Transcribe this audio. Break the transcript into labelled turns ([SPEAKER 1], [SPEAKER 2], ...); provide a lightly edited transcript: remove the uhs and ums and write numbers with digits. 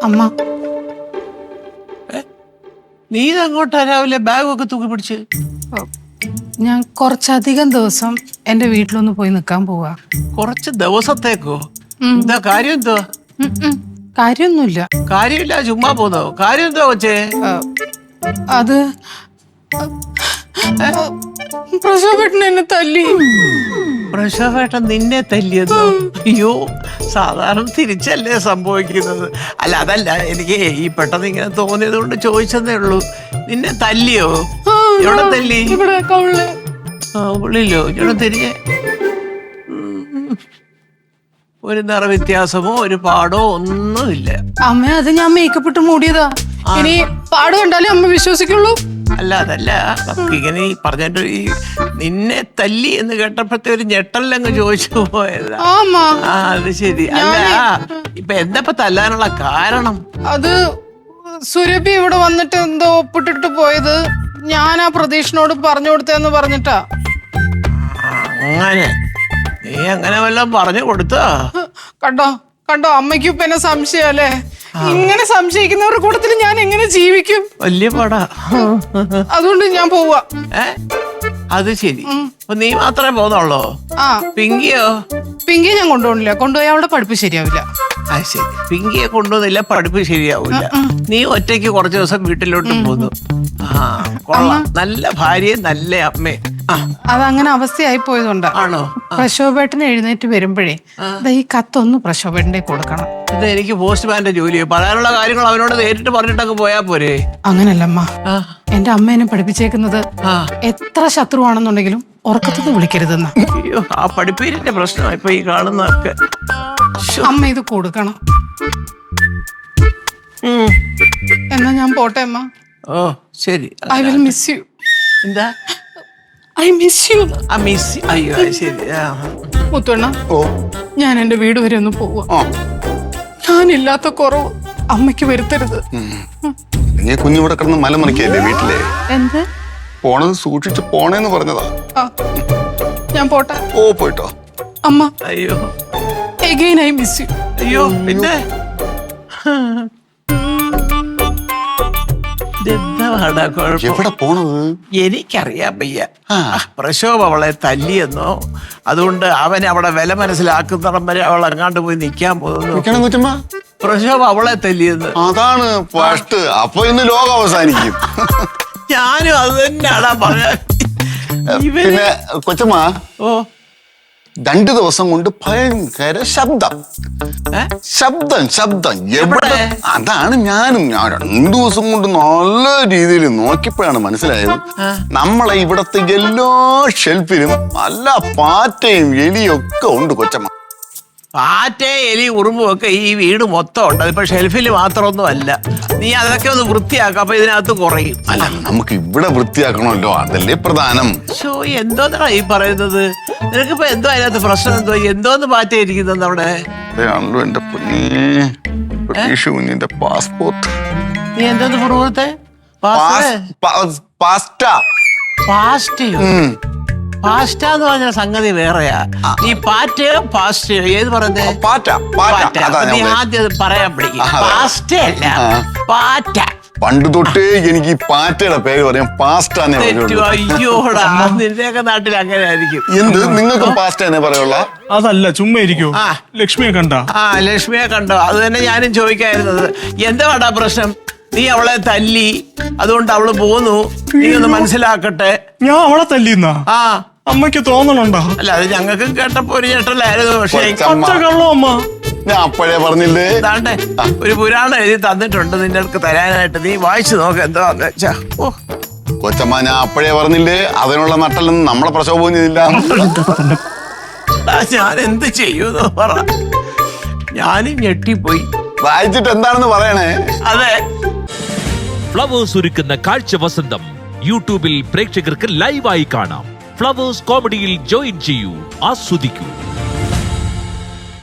[SPEAKER 1] അമ്മ
[SPEAKER 2] നീ ഇതങ്ങോട്ടാ രാവിലെ ബാഗൊക്കെ തൂക്കി പിടിച്ച്?
[SPEAKER 1] ഞാൻ കുറച്ചധികം ദിവസം എന്റെ വീട്ടിലൊന്ന് പോയി നിൽക്കാൻ പോവാ.
[SPEAKER 2] കുറച്ച് ദിവസത്തേക്കോ? എന്താ കാര്യം? എന്തോ
[SPEAKER 1] കാര്യമൊന്നുമില്ല.
[SPEAKER 2] കാര്യമില്ല, ചുമ്മാ പോന്നോ? കാര്യം എന്തോ കൊച്ചേ?
[SPEAKER 1] അത് പ്രസവപ്പെട്ടൻ എന്നെ തല്ലി.
[SPEAKER 2] പ്രസവേട്ടൻ നിന്നെ തല്ലിയതോ? അയ്യോ, സാധാരണ തിരിച്ചല്ലേ സംഭവിക്കുന്നത്. അല്ല, അതല്ല, എനിക്ക് ഈ പെട്ടെന്ന് ഇങ്ങനെ തോന്നിയത് കൊണ്ട് ചോദിച്ചതേ ഉള്ളൂ. നിന്നെ തല്ലിയോ? എവിടെ തല്ലി?
[SPEAKER 1] ഇവിടെ കവിളില്.
[SPEAKER 2] ഉള്ളിലോ? ഇവിടെ തിരിഞ്ഞെ ഒരു നിറ വ്യത്യാസമോ ഒരു പാടോ ഒന്നുമില്ല.
[SPEAKER 1] അമ്മ, അത് ഞാൻ മേക്കപ്പ് ഇട്ട് മൂടിയതാ. ഇനി പാട് കണ്ടാലേ അമ്മ വിശ്വസിക്കുള്ളൂ.
[SPEAKER 2] അല്ല, അതല്ല, ഇങ്ങനെ ഈ പറഞ്ഞിട്ട് ഈ നിന്നെ തല്ലി എന്ന് കേട്ടപ്പോഴത്തെ ഒരു ഞെട്ടല്ലങ്ങ് ചോദിച്ചു പോയതാ. അത് ശരി. അല്ല, ഇപ്പൊ എന്താ തല്ലാനുള്ള കാരണം?
[SPEAKER 1] അത് സുരഭി ഇവിടെ വന്നിട്ട് എന്തോ ഒപ്പിട്ടിട്ട് പോയത് ഞാൻ ആ പ്രതീക്ഷനോട് പറഞ്ഞു കൊടുത്തേന്ന് പറഞ്ഞിട്ടാ.
[SPEAKER 2] അങ്ങനെ നീ അങ്ങനെ വല്ലതും പറഞ്ഞു കൊടുത്താ?
[SPEAKER 1] കണ്ടോ കണ്ടോ, അമ്മയ്ക്കും ഇപ്പൊ എന്നെ സംശയല്ലേ? ഇങ്ങനെ സംശയിക്കുന്നവരുടെ കൂട്ടത്തിൽ ഞാൻ എങ്ങനെ ജീവിക്കും?
[SPEAKER 2] വലിയ പാടാ.
[SPEAKER 1] അതുകൊണ്ട് ഞാൻ പോവാ.
[SPEAKER 2] അത് ശരി. അപ്പൊ നീ മാത്രമേ പോന്നുള്ളോ? പിങ്കിയോ?
[SPEAKER 1] പിങ്കിയെ ഞാൻ കൊണ്ടുപോകണില്ല. കൊണ്ടുപോയി അവിടെ പഠിപ്പ് ശരിയാവില്ല.
[SPEAKER 2] അത് ശരി, പിങ്കിയെ കൊണ്ടുവന്നില്ല, പഠിപ്പ് ശരിയാവില്ല. നീ ഒറ്റയ്ക്ക് കുറച്ചു ദിവസം വീട്ടിലോട്ട് പോന്നു. കൊള്ളാം, നല്ല ഭാര്യയും നല്ല അമ്മയും.
[SPEAKER 1] അതങ്ങനെ അവസ്ഥയായി പോയതുകൊണ്ടാ.
[SPEAKER 2] ആണോ?
[SPEAKER 1] പ്രശോഭേട്ടന് എഴുന്നേറ്റ് വരുമ്പോഴേ ഈ കത്തൊന്ന് പ്രശോഭേട്ടന്റെ കൊടുക്കണം.
[SPEAKER 2] ഇത് എനിക്ക് പോസ്റ്റ്മാന്റെ ജോലിയോ? പറയാനുള്ള കാര്യങ്ങൾ അവനോട് നേരിട്ട് പറഞ്ഞിട്ടൊക്കെ പോയാ പോരെ?
[SPEAKER 1] അങ്ങനല്ലമ്മ, എന്റെ അമ്മ എന്നെ പഠിപ്പിച്ചേക്കുന്നത് എത്ര ശത്രുവാണെന്നുണ്ടെങ്കിലും ഉറക്കത്തുനിന്ന് വിളിക്കരുതെന്ന.
[SPEAKER 2] അയ്യോ, ആ പഠിപ്പീരിന്റെ പ്രശ്നമാണ് ഇപ്പൊ ഈ കാണുന്നതൊക്കെ.
[SPEAKER 1] അമ്മ ഇത് കൊടുക്കണം. എന്നാ ഞാൻ പോട്ടെ അമ്മ.
[SPEAKER 2] ഓ ശരി.
[SPEAKER 1] I will miss you.
[SPEAKER 2] എന്താ?
[SPEAKER 1] I miss you.
[SPEAKER 2] അയ്യോ ശരി.
[SPEAKER 1] മുത്തുവണ്ണ, ഞാൻ എന്റെ വീട് വരെ ഒന്ന് പോവാ. ഞാനില്ലാത്ത കുറവ് അമ്മയ്ക്ക് വരുത്തരുത്.
[SPEAKER 3] നീ കുഞ്ഞിവിടെ കിടന്ന് മലമറിക്കല്ലേ വീട്ടിലെ?
[SPEAKER 1] എന്ത്?
[SPEAKER 3] പോണത് സൂക്ഷിച്ച് പോണേന്ന് പറഞ്ഞതാ.
[SPEAKER 1] ഞാൻ പോട്ടെ.
[SPEAKER 3] ഓ, പോയിട്ടോ
[SPEAKER 1] അമ്മ.
[SPEAKER 2] അയ്യോ,
[SPEAKER 1] again I miss you.
[SPEAKER 2] അയ്യോ, പിന്നെ
[SPEAKER 3] എവിടെ പോണത്?
[SPEAKER 2] എനിക്കറിയാൻ വയ്യ. പ്രശോഭ അവളെ തല്ലിയെന്നോ, അതുകൊണ്ട് അവൻ അവിടെ വില മനസ്സിലാക്കുന്നിടം വരെ അവൾ എങ്ങാണ്ട് പോയി നിൽക്കാൻ പോകുന്നു. പ്രശോഭ അവളെ തല്ലിയെന്ന്.
[SPEAKER 3] അതാണ് ഫസ്റ്റ്. അപ്പൊ ഇന്ന് ലോകം അവസാനിക്കും.
[SPEAKER 2] ഞാനും അത് തന്നെയാണാ പറയാൻ.
[SPEAKER 3] പിന്നെ കൊച്ചമ്മ,
[SPEAKER 2] ഓ
[SPEAKER 3] 2 ദിവസം കൊണ്ട് ഭയങ്കര ശബ്ദം. എവിടെ? അതാണ് ഞാൻ 2 ദിവസം കൊണ്ട് നല്ല രീതിയിൽ നോക്കിയപ്പോഴാണ് മനസ്സിലായത്. നമ്മളെ ഇവിടത്തെ എല്ലാ ഷെൽഫിലും നല്ല പാറ്റയും എലിയും ഒക്കെ ഉണ്ട് കൊച്ചമ്മ.
[SPEAKER 2] പാറ്റേ എലി ഉറുമ്പും ഒക്കെ ഈ വീട് മൊത്തം ഉണ്ട്. അതിപ്പോ ഷെൽഫിൽ മാത്രമൊന്നും അല്ല. നീ അതൊക്കെ ഒന്ന് വൃത്തിയാക്ക, അപ്പൊ ഇതിനകത്ത് കുറയും.
[SPEAKER 3] അല്ല, നമുക്ക് ഇവിടെ വൃത്തിയാക്കണമല്ലോ, അതല്ലേ പ്രധാനം.
[SPEAKER 2] എന്തോന്നാ ഈ പറയുന്നത്? നിനക്കിപ്പോ എന്തോ അതിനകത്ത് പ്രശ്നം? എന്തോന്ന് പാറ്റയിരിക്കുന്നത് അവിടെ?
[SPEAKER 3] എന്റെ കുഞ്ഞിന്റെ പാസ്പോർട്ട്.
[SPEAKER 2] നീ എന്തോന്ന് പുറത്തെ? പാസ്റ്റ എന്ന് പറഞ്ഞ സംഗതി വേറെയാ. ഈ പാറ്റയോ പാസ്റ്റയോ ഏത് പറയുന്നേ? നീ ആദ്യം പറയാൻ പഠിക്കും. പാസ്റ്റ അല്ല, പാറ്റ.
[SPEAKER 3] പണ്ട് തൊട്ടേ എനിക്ക് ഈ പാറ്റയുടെ പേര് പറയാം പാസ്റ്റ.
[SPEAKER 2] അയ്യോടാ, നിന്റെയൊക്കെ നാട്ടിൽ അങ്ങനെ ആയിരിക്കും.
[SPEAKER 3] എന്ത് നിങ്ങൾക്ക് പാസ്റ്റ തന്നെ പറയുള്ള?
[SPEAKER 4] അതല്ല, ചുമ്മാ ഇരിക്കോ. ലക്ഷ്മിയെ കണ്ടോ?
[SPEAKER 2] ലക്ഷ്മിയെ കണ്ടോ? അത് തന്നെ ഞാനും ചോദിക്കായിരുന്നത്. എന്താ പ്രശ്നം? നീ അവളെ തല്ലി, അതുകൊണ്ട് അവള് പോന്നു. നീ ഒന്ന് മനസ്സിലാക്കട്ടെ.
[SPEAKER 4] ഞാൻ അവളെ തല്ലിന്നാ? അമ്മയ്ക്ക് തോന്നണുണ്ടോ?
[SPEAKER 2] അല്ല, അത് ഞങ്ങൾക്ക് കേട്ടപ്പോ ഒരു ചേട്ടല്ലായിരുന്നു. പക്ഷേ
[SPEAKER 4] അമ്മ,
[SPEAKER 3] ഞാൻ അപ്പോഴേ പറഞ്ഞില്ലേ.
[SPEAKER 2] താണ്ടെ ഒരു പുരാണം എഴുതി തന്നിട്ടുണ്ട് നിന്റെ അടുത്ത് തരാനായിട്ട്. നീ വായിച്ചു നോക്ക് എന്താന്ന് വെച്ചാ. ഓ
[SPEAKER 3] കൊച്ചമ്മ, ഞാൻ അപ്പോഴേ പറഞ്ഞില്ലേ അതിനുള്ള നട്ടലൊന്നും നമ്മളെ പ്രശോഭം ചെയ്തില്ല.
[SPEAKER 2] ഞാൻ എന്ത് ചെയ്യൂന്ന് പറ. ഞാനും ഞെട്ടിപ്പോയി.
[SPEAKER 3] വായിച്ചിട്ട് എന്താണെന്ന് പറയണേ.
[SPEAKER 2] അതെ,
[SPEAKER 5] ഫ്ലവേഴ്സ് ഒരുക്കുന്ന കാഴ്ച വസന്തം യൂട്യൂബിൽ പ്രേക്ഷകർക്ക് ലൈവായി കാണാം. ഫ്ലവേഴ്സ് കോമഡിയിൽ ജോയിൻ ചെയ്യൂ, ആസ്വദിക്കൂ.